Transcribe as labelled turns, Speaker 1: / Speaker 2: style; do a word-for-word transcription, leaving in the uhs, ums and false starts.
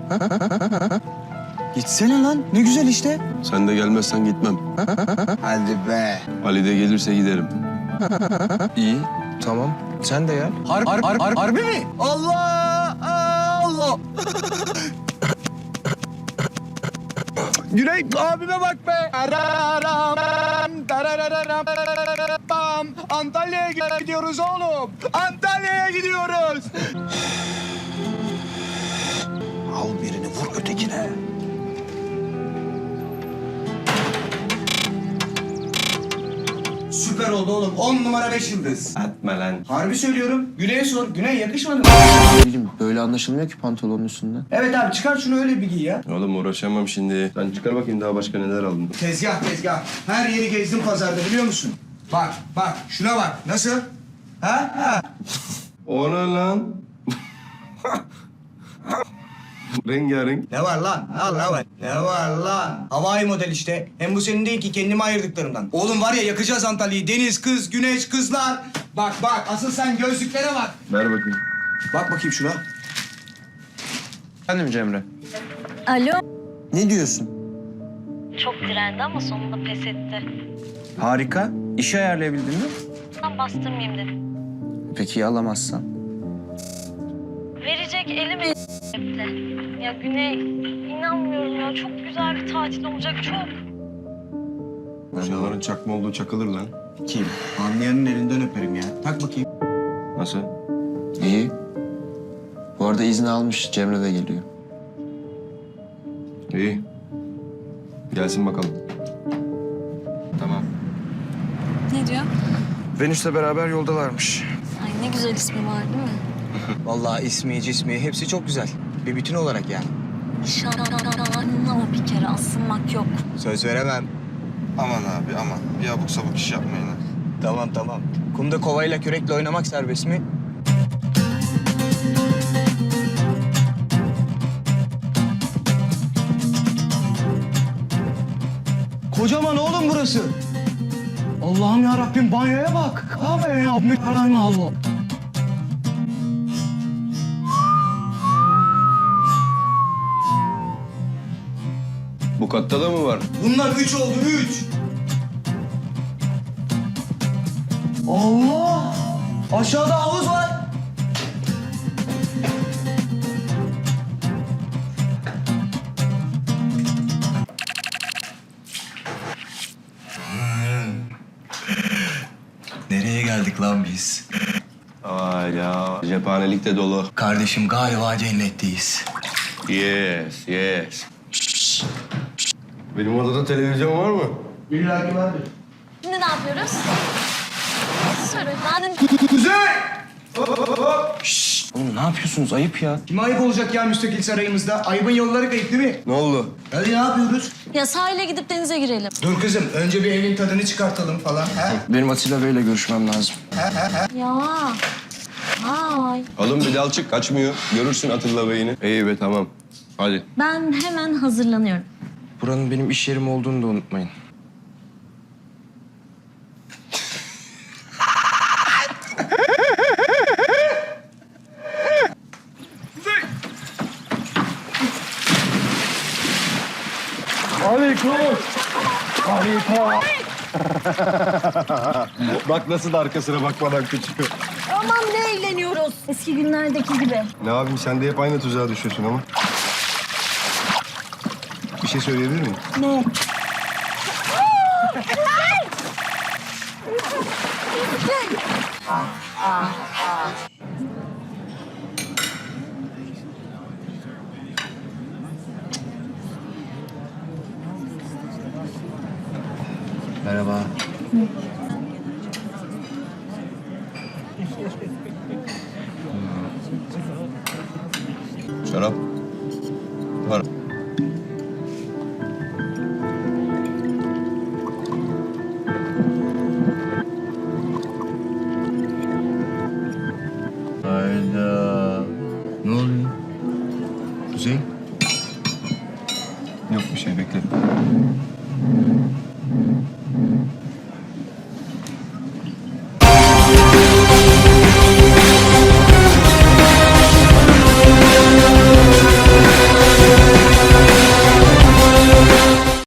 Speaker 1: Gitsene lan. Ne güzel işte.
Speaker 2: Sen de gelmezsen gitmem.
Speaker 1: Hadi be.
Speaker 2: Ali de gelirse giderim.
Speaker 1: İyi. Tamam. Sen de gel. Har har har har harbi mi? Allah! Allah! Güney abime bak be. Antalya'ya gidiyoruz oğlum. Antalya'ya gidiyoruz. Al birini vur ötekine. Süper oldu oğlum. On numara beş yıldız.
Speaker 2: Etme lan.
Speaker 1: Harbi söylüyorum. Güney'e sor. Güney yakışmadı mı?
Speaker 3: Ne bileyim böyle anlaşılmıyor ki pantolonun üstünden.
Speaker 1: Evet abi çıkar şunu öyle bir giy ya.
Speaker 2: Oğlum uğraşamam şimdi. Sen çıkar bakayım daha başka neler aldın.
Speaker 1: Tezgah tezgah. Her yeri gezdim pazarda biliyor musun? Bak bak şuna bak. Nasıl? Ha? Ha.
Speaker 2: O ne lan? Rengarenk.
Speaker 1: Ne var lan? Al ne var? Ne var lan? Havai model işte. Hem bu senin değil ki kendime ayırdıklarımdan. Oğlum var ya yakacağız Antalya'yı. Deniz, kız, güneş, kızlar. Bak bak asıl sen gözlüklere bak.
Speaker 2: Ver bakayım.
Speaker 1: Bak bakayım şuna.
Speaker 3: Efendim Cemre.
Speaker 4: Alo.
Speaker 3: Ne diyorsun?
Speaker 4: Çok direndi ama sonunda pes etti.
Speaker 3: Harika. İşi ayarlayabildin mi?
Speaker 4: Ben bastırmayayım dedim.
Speaker 3: Peki ya alamazsan?
Speaker 4: Verecek elim etti. Ya Güney, inanmıyorum ya. Çok güzel bir tatil olacak, çok.
Speaker 2: Şunların çakma olduğu çakılır lan.
Speaker 1: Kim? Anlayanın elinden öperim ya. Tak bakayım.
Speaker 2: Nasıl?
Speaker 3: İyi. Bu arada izni almış. Cemre de geliyor.
Speaker 2: İyi. Gelsin bakalım.
Speaker 3: Tamam.
Speaker 4: Ne diyor?
Speaker 3: Venüs'le beraber yoldalarmış.
Speaker 4: Ay ne güzel ismi var değil mi?
Speaker 1: Vallahi ismi, cismi hepsi çok güzel. Bir bütün olarak yani.
Speaker 4: Şanına o bir kere asılmak yok.
Speaker 1: Söz veremem.
Speaker 5: Aman abi aman. Bir abuk sabuk iş yapmayın. ha.
Speaker 1: Tamam tamam. Kumda kovayla kürekle oynamak serbest mi? Kocaman oğlum burası. Allah'ım ya Rabbim banyoya bak. Abi ya Allah'ım Allah.
Speaker 2: Bu katta da mı var?
Speaker 1: Bunlar üç oldu üç. Allah! Aşağıda havuz var. Nereye geldik lan biz?
Speaker 2: Vay ya. Cephanelik de dolu.
Speaker 1: Kardeşim galiba cennetteyiz.
Speaker 2: Yes, yes. Benim odada televizyon var mı?
Speaker 1: İlla ki vardır.
Speaker 4: Şimdi ne yapıyoruz? Söyle. Ben
Speaker 1: Kuzey!
Speaker 3: Oğlum ne yapıyorsunuz? Ayıp ya.
Speaker 1: Kime ayıp olacak ya müstakil sarayımızda? Ayıbın yolları kayıp değil mi?
Speaker 2: Ne oldu?
Speaker 1: Hadi ne yapıyoruz?
Speaker 4: ya sahile gidip denize girelim.
Speaker 1: Dur kızım, önce bir evin tadını çıkartalım falan. Ha?
Speaker 3: Benim Atilla Bey'le görüşmem lazım.
Speaker 4: Ya. Ay.
Speaker 2: Alın bir dal çık kaçmıyor. Görürsün Atilla Bey'ini. İyi be tamam. Hadi.
Speaker 4: Ben hemen hazırlanıyorum.
Speaker 3: Buranın benim iş yerim olduğunu da unutmayın.
Speaker 2: Bak nasıl da arkasına bakmadan kaçıyor.
Speaker 4: Aman ne eğleniyoruz. Eski günlerdeki gibi.
Speaker 2: Ne yapayım sen de hep aynı tuzağa düşüyorsun ama. Bir şey söyleyebilir miyim?
Speaker 4: Ne?
Speaker 3: Merhaba.